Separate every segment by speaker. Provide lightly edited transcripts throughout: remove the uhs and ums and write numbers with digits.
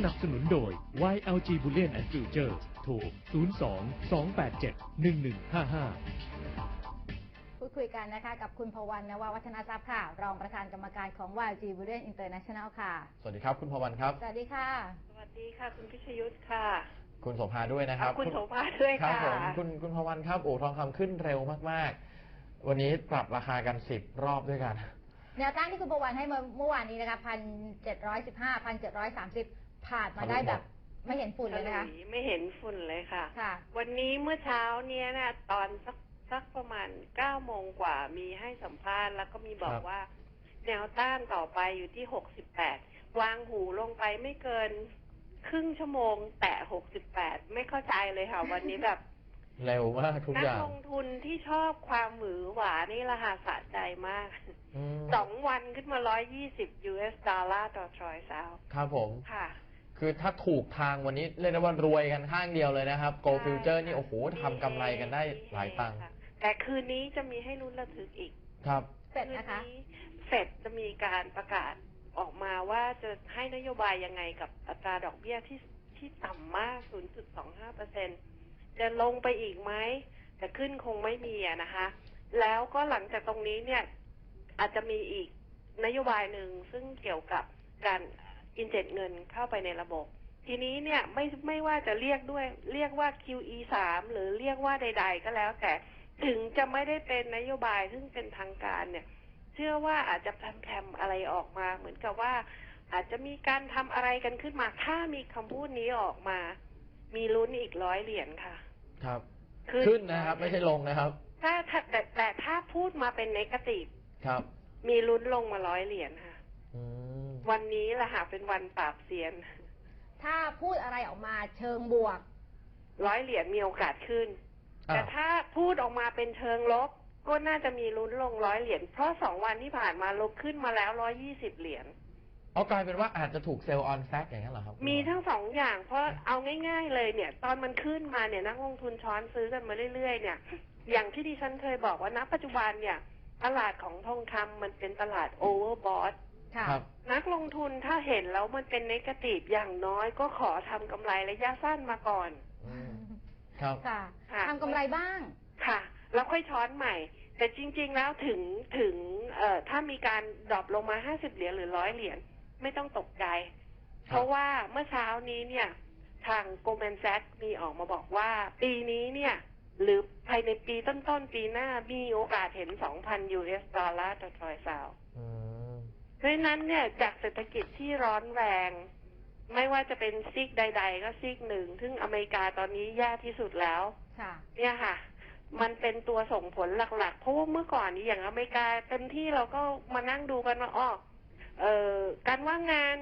Speaker 1: นับสนุนโดย YLG Bullion and Future โทร 02-287-1155
Speaker 2: พูดคุยกันนะคะกับคุณพวรรณ นววัฒนทรัพย์ค่ะ รองประธานกรรมการของ YLG Bullion International ค่ะ
Speaker 3: สวัสดีครับคุณพวรรณครับ
Speaker 2: สวัสดีค่ะ
Speaker 4: สวัสดีค่ะคุณพิชยุทธค่ะ
Speaker 3: คุณโสภาด้วยนะครับ
Speaker 4: คุณโสภาด้วย
Speaker 3: ครับ
Speaker 4: ค่ะ
Speaker 3: ผมคุณพวรรณครับโอ้ทองคำขึ้นเร็วมากๆวันนี้ปรับราคากัน10 รอบด้วยกัน
Speaker 2: แนวต้านที่คุณพวรรณให้เมื่อวานนี้นะคะ1,715 1,730 ผ่านมาได้แบบไม่เห็นฝุ่นเลยนะคะ
Speaker 4: ไม่เห็นฝุ่นเลยค่ะ
Speaker 2: ค่ะ
Speaker 4: วันนี้เมื่อเช้าเนี้ยนะตอนสักประมาณ9 โมงกว่ามีให้สัมภาษณ์แล้วก็มีบอกว่า แนวต้านต่อไปอยู่ที่68วางหูลงไปไม่เกินครึ่งชั่วโมงแตะ68ไม่เข้าใจเลยค่ะ วันนี้แบบ
Speaker 3: เร็วมากทุกอย่าง
Speaker 4: นักลงทุนที่ชอบความหวือหวานี่ละค่ะสะใจมาก2 วันขึ้นมา120 US ดอลลาร์ต่อทรอยซ์เอา
Speaker 3: ครับผม
Speaker 4: ค่ะ
Speaker 3: คือถ้าถูกทางวันนี้เรียกได้ว่ารวยกันข้างเดียวเลยนะครับ Gold Future นี่โอ้โหทำกำไรกันได้หลายตังค์
Speaker 4: แต่คืนนี้จะมีให้ลุ้นระทึกอีก
Speaker 3: ครับ
Speaker 2: เฟดนะคะ
Speaker 4: เฟดจะมีการประกาศออกมาว่าจะให้นโยบายยังไงกับอัตราดอกเบี้ยที่ต่ำมาก 0.25%จะลงไปอีกไหมแต่ขึ้นคงไม่มีนะคะ แล้วก็หลังจากตรงนี้เนี่ยอาจจะมีอีกนโยบายหนึ่งซึ่งเกี่ยวกับการอินเจกต์เงินเข้าไปในระบบ ทีนี้เนี่ยไม่ว่าจะเรียกว่า QE3 หรือเรียกว่าใดๆก็แล้วแต่ถึงจะไม่ได้เป็นนโยบายซึ่งเป็นทางการเนี่ยเชื่อว่าอาจจะแพรมๆอะไรออกมาเหมือนกับว่าอาจจะมีการทำอะไรกันขึ้นมาถ้ามีคำพูดนี้ออกมามีลุ้นอีก100 เหรียญค่ะ
Speaker 3: ครับขึ้นนะครับไม่ใช่ลงนะครับ
Speaker 4: แต่ถ้าพูดมาเป็นเนกาทีฟ
Speaker 3: ครับ
Speaker 4: มีลุ้นลงมา100 เหรียญค่ะวันนี้แหละค่ะเป็นวันปราบเซียน
Speaker 2: ถ้าพูดอะไรออกมาเชิงบวก
Speaker 4: 100 เหรียญมีโอกาสขึ้นแต่ถ้าพูดออกมาเป็นเชิงลบก็น่าจะมีลุ้นลง100 เหรียญเพราะ2 วันที่ผ่านมาลบขึ้นมาแล้ว120 เหรียญ
Speaker 3: เอากลายเป็นว่าอาจจะถูกเซลล์ออนแฟกอย่างนั้นเหรอครับ
Speaker 4: มีทั้ง2 อย่างเพราะเอาง่ายๆเลยเนี่ยตอนมันขึ้นมาเนี่ยนักลงทุนช้อนซื้อกันมาเรื่อยๆเนี่ยอย่างที่ดิฉันเคยบอกว่าณปัจจุบันเนี่ยตลาดของทองคำมันเป็นตลาดโอเวอร์บอทนักลงทุนถ้าเห็นแล้วมันเป็นเนกาทีฟอย่างน้อยก็ขอทำกำไรระยะสั้นมาก่อน
Speaker 3: ครับ
Speaker 2: ทำกำไรบ้าง
Speaker 4: ค่ะแล้วค่อยช้อนใหม่แต่จริงๆแล้วถึงถ้ามีการดรอปลงมา50 เหรียญหรือ100 เหรียญไม่ต้องตกใจเพราะว่าเมื่อเช้านี้เนี่ยทาง Goldman Sachs มีออกมาบอกว่าปีนี้เนี่ยหรือภายในปีต้นๆปีหน้ามีโอกาสเห็น 2,000 US ดอลลาร์ต่อทรอยซ์เอาเพราะฉะนั้นเนี่ยจากเศรษฐกิจที่ร้อนแรงไม่ว่าจะเป็นซีกใดๆก็ซีกหนึ่งซึ่งอเมริกาตอนนี้แย่ที่สุดแล้วเนี่ยค่ะมันเป็นตัวส่งผลหลักๆเพราะว่าเมื่อก่อนนี้อย่างอเมริกาเต็มที่เราก็มานั่งดูกันว่าการว่างงาน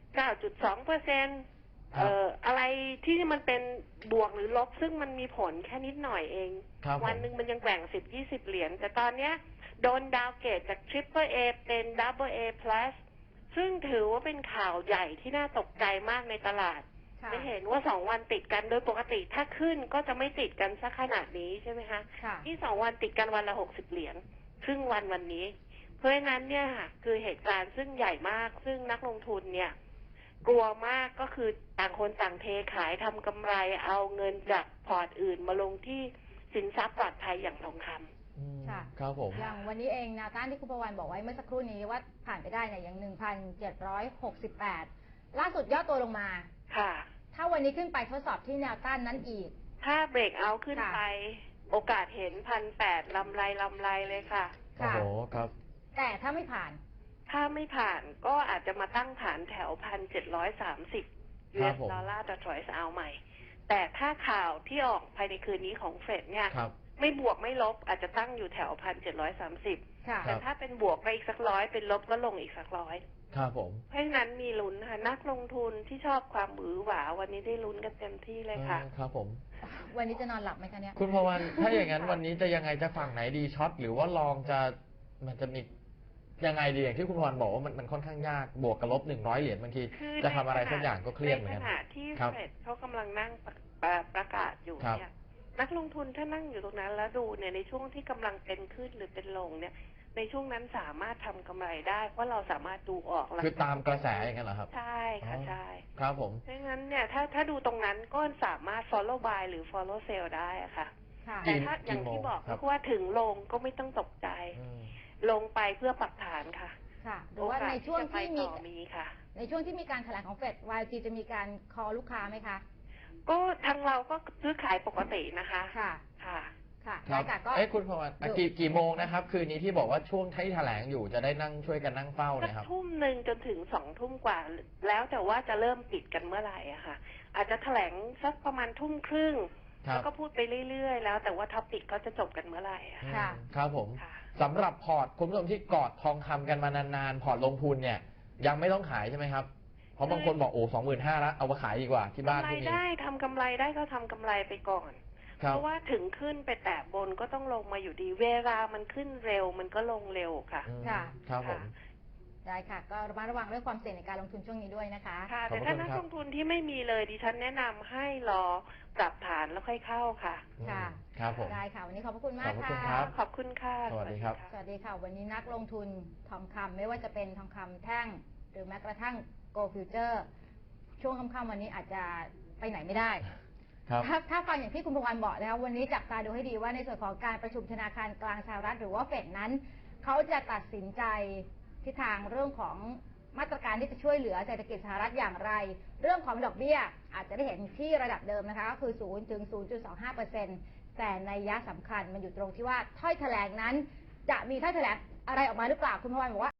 Speaker 4: 9.2%อะไรที่มันเป็นบวกหรือลบซึ่งมันมีผลแค่นิดหน่อยเองวันหนึ่งมันยังแกว่ง10-20 เหรียญแต่ตอนเนี้ยโดนดาวเกรดจาก Triple A เป็น Double A Plus ซึ่งถือว่าเป็นข่าวใหญ่ที่น่าตกใจมากในตลาดไม่เห็นว่า2 วันติดกันโดยปกติถ้าขึ้นก็จะไม่ติดกันสักขนาดนี้ใช่ไหมคะที่2 วันติดกันวันละ60 เหรียญครึ่งวันนี้เพราะฉะนั้นเนี่ยคือเหตุการณ์ซึ่งใหญ่มากซึ่งนักลงทุนเนี่ยกลัวมากก็คือต่างคนต่างเทขายทำกำไรเอาเงินจากพอร์ตอื่นมาลงที่สินทรัพย์ปลอดภัยอย่างทองคำ
Speaker 2: ค่ะ
Speaker 3: ครับผม
Speaker 2: อย่างวันนี้เองแนวต้านที่คุณประวันบอกไว้เมื่อสักครู่นี้ว่าผ่านไปได้เนี่ยอย่าง 1,768 ล่าสุดย่อตัวลงมา
Speaker 4: ค่ะ
Speaker 2: ถ้าวันนี้ขึ้นไปทดสอบที่แนวต้านนั้นอีก
Speaker 4: ถ้าเบรกเอาท์ขึ้นไปโอกาสเห็น 1,800 ลำไรเลยค่ะ
Speaker 3: โอ้โหครับ
Speaker 2: แต่ถ้าไม่ผ่าน
Speaker 4: ก็อาจจะมาตั้งฐานแถว 1,730 US ดอลลาร์ต่อทรอยซ์เอาใหม่แต่ถ้าข่าวที่ออกภายในคืนนี้ของเฟดเนี่ยไม่บวกไม่ลบอาจจะตั้งอยู่แถว 1,730 แต่ถ้าเป็นบวกไปอีกสัก100เป็นลบก็ลงอีกสัก100
Speaker 3: ครับผม
Speaker 4: เพราะฉะนั้นมีลุ้นค่ะนักลงทุนที่ชอบความหวือหวาวันนี้ได้ลุ้นกันเต็มที่เลยค่ะ
Speaker 3: ครับผม
Speaker 2: วันนี้จะนอนหลับไหมคะเนี่ย
Speaker 3: คุณพวันถ้าอย่างนั้นวันนี้จะยังไงจะฝั่งไหนดีช็อตหรือว่าลองมันจะมียังไงดีอย่างที่คุณพรบอกว่ามันค่อนข้างยากบวกกับลบ100 เหรียญบางทีจะทำอะไรสักอย่างก็เครียดเหมือนกัน
Speaker 4: ในขณะที่เฟดเขากำลังนั่งประกาศอยู่เนี่ยนักลงทุนถ้านั่งอยู่ตรงนั้นแล้วดูเนี่ยในช่วงที่กำลังเป็นขึ้นหรือเป็นลงเนี่ยในช่วงนั้นสามารถทำกำไรได้เพราะเราสามารถดูออกแล้ว
Speaker 3: คือตามกระแสอย่างนั้นเหรอครับ
Speaker 4: ใช่ค่ะใช่
Speaker 3: ครับผม
Speaker 4: เพราะงั้นเนี่ยถ้าดูตรงนั้นก็สามารถ follow buy หรือ follow sell ได้อะค่ะ
Speaker 2: ค่ะ
Speaker 4: แต่ถ้าอย่างที่บอก
Speaker 3: ครับ
Speaker 4: ก็ว่าถึงลงก็ไม่ต้องตกใจ
Speaker 3: อืม
Speaker 4: ลงไปเพื่อปรับฐานค่ะ
Speaker 2: ค่ะ หรือว่าในช่วง
Speaker 4: โอกาส
Speaker 2: ที่
Speaker 4: จะไป
Speaker 2: มี
Speaker 4: ต่อมีค่ะ
Speaker 2: ในช่วงที่มีการแถลงของเฟด YLG จะมีการคอลูกค้าไหมคะ
Speaker 4: ก็ทางเราก็ซื้อขายปกตินะคะ
Speaker 2: ค่ะ
Speaker 4: ค่ะ
Speaker 2: ค่ะ
Speaker 3: ครั
Speaker 2: ได้
Speaker 3: บ
Speaker 2: ค่ะก็
Speaker 3: คุณพรกี่โมงนะครับ คืนนี้ที่บอกว่าช่วงที่แถลงอยู่จะได้นั่งช่วยกันนั่งเฝ้า
Speaker 4: สัก
Speaker 3: เนี่ยครับ
Speaker 4: ทุ่มหนึ่งจนถึง2 ทุ่มกว่า แล้วแต่ว่าจะเริ่มปิดกันเมื่อไหร่อะค่ะ อาจจะแถลงสักประมาณทุ่มครึ่ง
Speaker 3: ครับ
Speaker 4: แล้วก็พูดไปเรื่อยๆ แล้วแต่ว่าท็อปิกเขาจะจบกันเมื่อไหร่อะค่ะ
Speaker 2: ค่ะ
Speaker 3: ครับผม
Speaker 4: ค่ะ
Speaker 3: สำหรับพอร์ตคุณผู้ชมที่กอดทองคำกันมานานๆ พอร์ตลงทุนเนี่ย ยังไม่ต้องขายใช่ไหมครับ เพราะบางคนบอกโอ้25,000แล้วเอามาขายดีกว่าที่บ้าน
Speaker 4: กำไร
Speaker 3: ที่มี
Speaker 4: ได้ทำกำไรได้ก็ทำกำไรไปก่อน
Speaker 3: ครั
Speaker 4: เพ
Speaker 3: บ
Speaker 4: ราะว่าถึงขึ้นไปแตะบนก็ต้องลงมาอยู่ดี เวลามันขึ้นเร็วมันก็ลงเร็วค่ะ
Speaker 3: อืม
Speaker 2: ค่ะ
Speaker 3: ครับผม
Speaker 2: ได้ค่ะ ก็ระมัดระวังเรื่องความเสี่ยงในการลงทุนช่วงนี้ด้วยนะคะ
Speaker 4: ค่ะ
Speaker 3: ขอบ
Speaker 4: แต่
Speaker 3: พระ
Speaker 4: ถ้า
Speaker 3: คุณ
Speaker 4: นัก
Speaker 3: ครับ
Speaker 4: ลงทุนที่ไม่มีเลยดิฉันแนะนำให้รอปรับฐานแล้วค่อยเข้าค่ะ
Speaker 2: ค่ะ
Speaker 3: ครับผม
Speaker 2: ได้ค่ะ วันนี้ขอบพระคุณมาก
Speaker 3: ขอบพระคุณ
Speaker 2: ค่ะ
Speaker 3: ครับ
Speaker 4: ขอบคุณค่ะ
Speaker 3: สวัสดีครับ
Speaker 2: สวัสดีค่ะ วันนี้นักลงทุนทองคำไม่ว่าจะเป็นทองคำแท่ง หรือแม้กระทั่ง Gold Future ช่วงค่ำๆวันนี้อาจจะไปไหนไม่ได้
Speaker 3: ครับ
Speaker 2: ถ้าฟังอย่างที่คุณพวันบอกนะคะวันนี้จับตาดูให้ดีว่าในส่วนของการประชุมธนาคารกลางสหรัฐหรือว่าเฟดนั้น เขาจะตัดสินใจทิศทางเรื่องของมาตรการที่จะช่วยเหลือเศรษฐกิจสหรัฐอย่างไร เรื่องของดอกเบี้ยอาจจะได้เห็นที่ระดับเดิมนะคะก็คือ 0 ถึง 0.25% แต่ในยะสำคัญมันอยู่ตรงที่ว่าถ้อยแถลงนั้น จะมีถ้อยแถลงอะไรออกมาหรือเปล่าคุณพวันบอกว่า